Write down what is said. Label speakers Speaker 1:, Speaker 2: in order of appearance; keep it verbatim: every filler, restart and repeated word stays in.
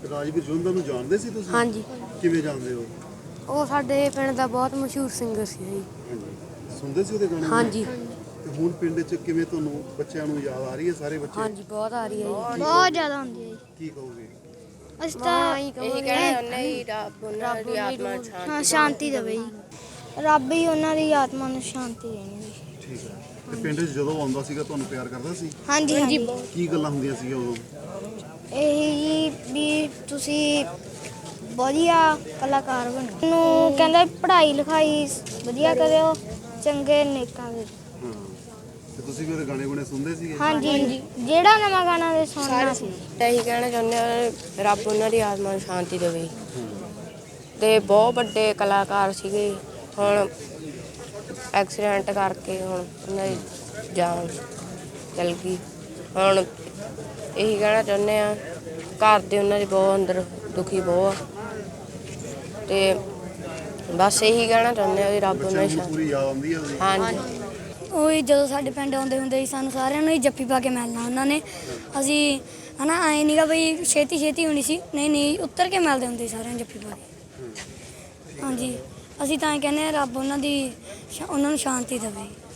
Speaker 1: ਰਾਜਵੀਰ ਜੁੰਦਾ ਨੂੰ ਜਾਣਦੇ ਸੀ ਤੁਸੀਂ?
Speaker 2: ਹਾਂਜੀ।
Speaker 1: ਕਿਵੇਂ ਜਾਣਦੇ ਹੋ?
Speaker 2: ਉਹ ਸਾਡੇ ਪਿੰਡ ਦਾ ਬਹੁਤ ਮਸ਼ਹੂਰ ਸਿੰਗਰ ਸੀ ਜੀ।
Speaker 1: ਹਾਂਜੀ, ਸੁਣਦੇ ਸੀ ਉਹਦੇ ਗਾਣੇ?
Speaker 2: ਹਾਂਜੀ।
Speaker 1: ਤੇ ਹੁਣ ਪਿੰਡ 'ਚ ਕਿਵੇਂ ਤੁਹਾਨੂੰ ਬੱਚਿਆਂ ਨੂੰ ਯਾਦ ਆ ਰਹੀ ਹੈ? ਸਾਰੇ ਬੱਚੇ?
Speaker 2: ਹਾਂਜੀ, ਬਹੁਤ ਆ ਰਹੀ ਹੈ ਜੀ।
Speaker 3: ਬਹੁਤ ਜ਼ਿਆਦਾ ਹੁੰਦੀ ਹੈ ਜੀ।
Speaker 1: ਕੀ ਕਹੋਗੇ?
Speaker 3: ਅਸੀਂ ਤਾਂ
Speaker 2: ਇਹੀ
Speaker 4: ਇਹੀ ਕਹਿਣਾ ਚਾਹੁੰਦੇ ਹੀ ਰੱਬ ਉਹਨਾਂ ਦੀ ਆਤਮਾ ਨੂੰ
Speaker 3: ਹਾਂ
Speaker 4: ਸ਼ਾਂਤੀ
Speaker 3: ਸ਼ਾਂਤੀ ਦੇਵੇ ਜੀ। ਰੱਬ ਹੀ ਉਹਨਾਂ ਦੀ ਆਤਮਾ ਨੂੰ ਸ਼ਾਂਤੀ ਦੇਣੀ ਜੀ।
Speaker 1: ਠੀਕ ਹੈ। ਤੇ ਪਿੰਡ 'ਚ ਜਦੋਂ ਆਉਂਦਾ ਸੀਗਾ ਤੁਹਾਨੂੰ ਪਿਆਰ ਕਰਦਾ ਸੀ?
Speaker 3: ਹਾਂਜੀ ਹਾਂਜੀ।
Speaker 1: ਕੀ ਗੱਲਾਂ ਹੁੰਦੀਆਂ ਸੀਗੀਆਂ ਉਦੋਂ?
Speaker 3: ਇਹੀ ਜੀ ਵੀ ਤੁਸੀਂ ਵਧੀਆ ਕਲਾਕਾਰ ਬਣੋ। ਨੂੰ ਕਹਿੰਦਾ ਪੜ੍ਹਾਈ ਲਿਖਾਈ ਵਧੀਆ ਕਰਿਓ, ਚੰਗੇ ਨੇਕਾਂ ਦੇ।
Speaker 1: ਹਾਂ, ਤੇ ਤੁਸੀਂ ਵੀ ਉਹਦੇ ਗਾਣੇ ਗੁਣੇ ਸੁਣਦੇ ਸੀਗੇ?
Speaker 3: ਹਾਂਜੀ, ਜਿਹੜਾ ਨਵਾਂ ਗਾਣਾ ਦੇ ਸੁਣਨਾ ਸੀ।
Speaker 4: ਇਹੀ ਕਹਿਣਾ ਚਾਹੁੰਦੇ ਹਾਂ ਰੱਬ ਉਹਨਾਂ ਦੀ ਆਤਮਾ ਨੂੰ ਸ਼ਾਂਤੀ ਦੇਵੇ। ਤੇ ਬਹੁਤ ਵੱਡੇ ਕਲਾਕਾਰ ਸੀਗੇ, ਹੁਣ ਐਕਸੀਡੈਂਟ ਕਰਕੇ ਹੁਣ ਉਹਨਾਂ ਦੀ ਜਾਨ ਚਲ ਗਈ। ਹੁਣ ਇਹੀ ਕਹਿਣਾ ਚਾਹੁੰਦੇ ਹਾਂ ਘਰ ਦੇ ਉਹਨਾਂ ਦੇ ਬਹੁਤ ਅੰਦਰ ਦੁਖੀ ਬਹੁਤ ਆ, ਤੇ ਬਸ ਇਹੀ ਕਹਿਣਾ ਚਾਹੁੰਦੇ ਹਾਂ ਵੀ ਰੱਬ ਉਹਨਾਂ
Speaker 1: ਬੱਚਿਆਂ
Speaker 4: ਦੀ
Speaker 1: ਨੂੰ ਪੂਰੀ ਯਾਦ ਆਉਂਦੀ ਹੈ ਉਹਦੀ?
Speaker 4: ਹਾਂਜੀ।
Speaker 3: ਉਹ ਜਦੋਂ ਸਾਡੇ ਪਿੰਡ ਆਉਂਦੇ ਹੁੰਦੇ ਸੀ ਸਾਨੂੰ ਸਾਰਿਆਂ ਨੂੰ ਹੀ ਜੱਫੀ ਪਾ ਕੇ ਮਿਲਣਾ ਉਹਨਾਂ ਨੇ। ਅਸੀਂ ਹਨਾ ਐਂ ਨਹੀਂਗਾ ਬਈ ਛੇਤੀ ਛੇਤੀ ਹੋਣੀ ਸੀ, ਨਹੀਂ ਨਹੀਂ ਉੱਤਰ ਕੇ ਮਿਲਦੇ ਹੁੰਦੇ ਸੀ ਸਾਰਿਆਂ ਨੂੰ ਜੱਫੀ ਪਾ ਕੇ। ਹਾਂਜੀ, ਅਸੀਂ ਤਾਂ ਇਹ ਕਹਿੰਦੇ ਹਾਂ ਰੱਬ ਉਹਨਾਂ ਦੀ ਉਹਨਾਂ ਨੂੰ ਸ਼ਾਂਤੀ ਦੇਵੇ।